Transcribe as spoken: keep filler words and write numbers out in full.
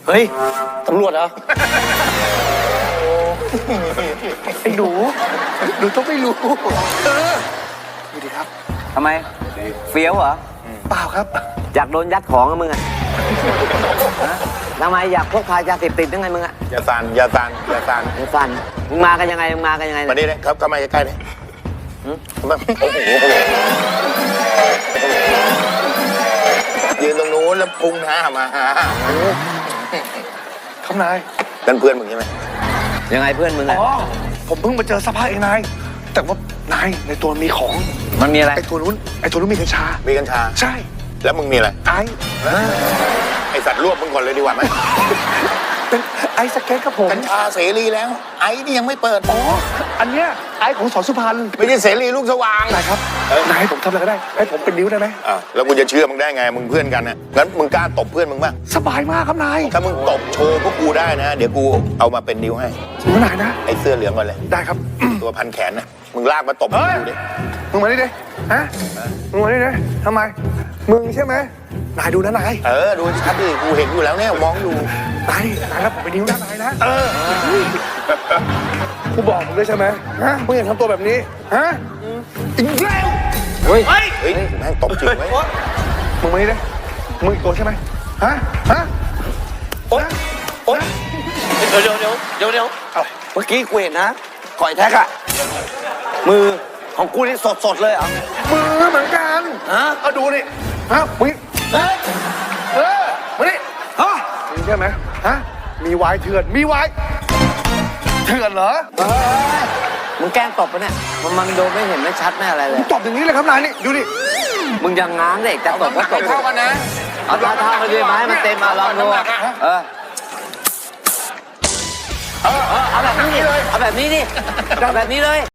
เฮ้ยตำรวจเหรอไอ้หนูหนูต้องไม่รู้เออดูดิครับทำไมเฟี้ยวเหรอเปล่าครับอยากโดนยัดของอะมึงอะฮะทำไมอยากพกพายาเสพติดยังไงมึงอะอย่าสั่นอย่าสั่นอย่าสั่นมึงสั่นมึงมากันยังไงมึงมากันยังไงมานี่เลยครับเข้ามาใกล้ๆเลยมาโอ้โหยืนตรงนู้นแล้วพุงหน้ามาหาครับนายนั่นเพื่อนมึงใช่ไหมยังไงเพื่อนมึงอะอ๋อผมเพิ่งมาเจอสภาพเองนายแต่ว่านายในตัวมีของมันมีอะไรไอ้ตัวนู้นไอ้ตัวนู้นมีกัญชามีกัญชาใช่แล้วมึงมีอะไรไอไอสัตว์รวบมึงก่อนเลยดีกว่าไหมเป็นไอสเก็ตครับผมกัญชาเสรีแล้ว ไอ้นี่ยังไม่เปิดอ๋ออันเนี้ยไอของสอนสุพรรณไม่ใช่เสรีลูกสว่างนายครับเออนายให้ผมทำอะไรก็ได้ให้ผมเป็นนิ้วได้ไหมอ่ะแล้วกูจะเชื่อมึงได้ไงมึงเพื่อนกันน่ะงั้นมึงกล้าตบเพื่อนมึงบ้างสบายมากครับนายถ้ามึงตบโชว์พวกกูได้นะ เดี๋ยวกูเอามาเป็นนิ้วให้จริงไหมนายนะไอ้เสื้อเหลืองก่อนเลยได้ครับตัวพันแขนนะมึงลากมาตบเฮ้ยดูดิมึงมาดิดิฮะมึงมาดิดิทำไมมึงใช่ไหมนายดูนะนายเออดูชัดดิกูเห็นอยู่แล้วเนี่ยมองอยู่นายนายครับผมเป็นนิ้วนะนายนะเออกูบอกมึงด้วยใช่ไหมฮะมึงอย่าทำตัวแบบนี้ฮะอีกแล้วเฮ้ยเฮ้ยแม่งตบจริงไหมมึงมาดิดิมึงอีกตัวใช่ไหมฮะฮะโอ๊ยโอ๊ยเดี๋ยวเดี๋ยวเดี๋ยวเดี๋ยวเดี๋ยวอะไรเมื่อกี้กูเห็นนะก่อยแท็กอะมือของกูนี่สดสดๆเลยเหรอ่ะมือเหมือนกันฮะเอาดูนี่ฮะมึงเฮ้ยเออมาดิฮะมึงใช่ไหมฮะมีวายเถื่อนมีวายเถื่อนเหรอมึงแกล้งตบปะเนี่ยมันมันโดนไม่เห็นไม่ชัดแน่อะไรเลยตอบอย่างนี้เลยครับนายนี่ดูดิมึงยังง้างเด็กจะตบก็ตบเท่ากันนะเอาเท่าเท่ากันดีไหมมันเต็มมาลองดูเออเออเอาแบบนี้ดิเอาแบบนี้ดิเอาแบบนี้เลย